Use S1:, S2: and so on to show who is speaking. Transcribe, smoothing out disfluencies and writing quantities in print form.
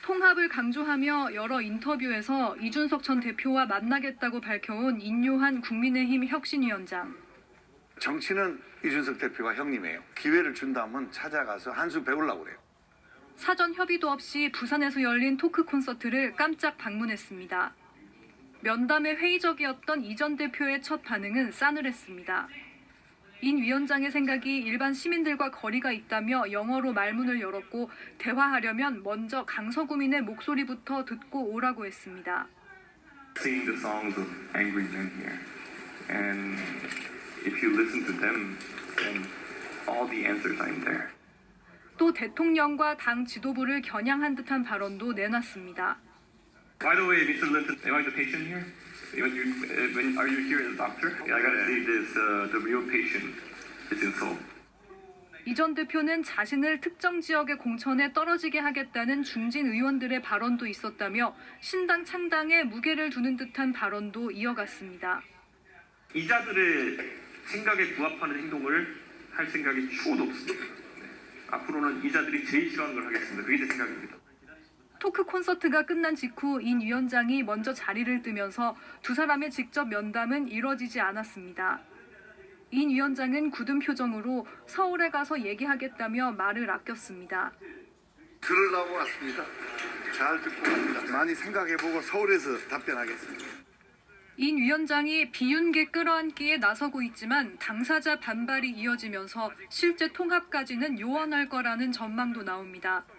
S1: 통합을 강조하며 여러 인터뷰에서 이준석 전 대표와 만나겠다고 밝혀온 인요한 국민의힘 혁신위원장.
S2: 정치는 이준석 대표가 형님이에요. 기회를 준다면 찾아가서 한 수 배우려고 그래요.
S1: 사전 협의도 없이 부산에서 열린 토크 콘서트를 깜짝 방문했습니다. 면담에 회의적이었던 이 전 대표의 첫 반응은 싸늘했습니다. 인 위원장의 생각이 일반 시민들과 거리가 있다며 영어로 말문을 열었고 대화하려면 먼저 강서구민의 목소리부터 듣고 오라고 했습니다.
S3: Sing the songs of angry men here, and if you listen to them, then all the answers are in there.
S1: 또 대통령과 당 지도부를 겨냥한 듯한 발언도 내놨습니다.
S3: By the way, Mr. Linton, am I the patient here? Are you here as a doctor? I gotta see this. The real patient is in Seoul.
S1: 이 전 대표는 자신을 특정 지역의 공천에 떨어지게 하겠다는 중진 의원들의 발언도 있었다며 신당 창당에 무게를 두는 듯한 발언도 이어갔습니다.
S3: 이자들의 생각에 부합하는 행동을 할 생각이 추호도 없습니다. 앞으로는 이자들이 제일 싫어하는 걸 하겠습니다. 그게 제 생각입니다.
S1: 토크 콘서트가 끝난 직후 인 위원장이 먼저 자리를 뜨면서 두 사람의 직접 면담은 이뤄지지 않았습니다. 인 위원장은 굳은 표정으로 서울에 가서 얘기하겠다며 말을 아꼈습니다.
S2: 들으려고 왔습니다. 잘 듣고 갑니다. 많이 생각해보고 서울에서 답변하겠습니다.
S1: 인 위원장이 비윤계 끌어안기에 나서고 있지만 당사자 반발이 이어지면서 실제 통합까지는 요원할 거라는 전망도 나옵니다.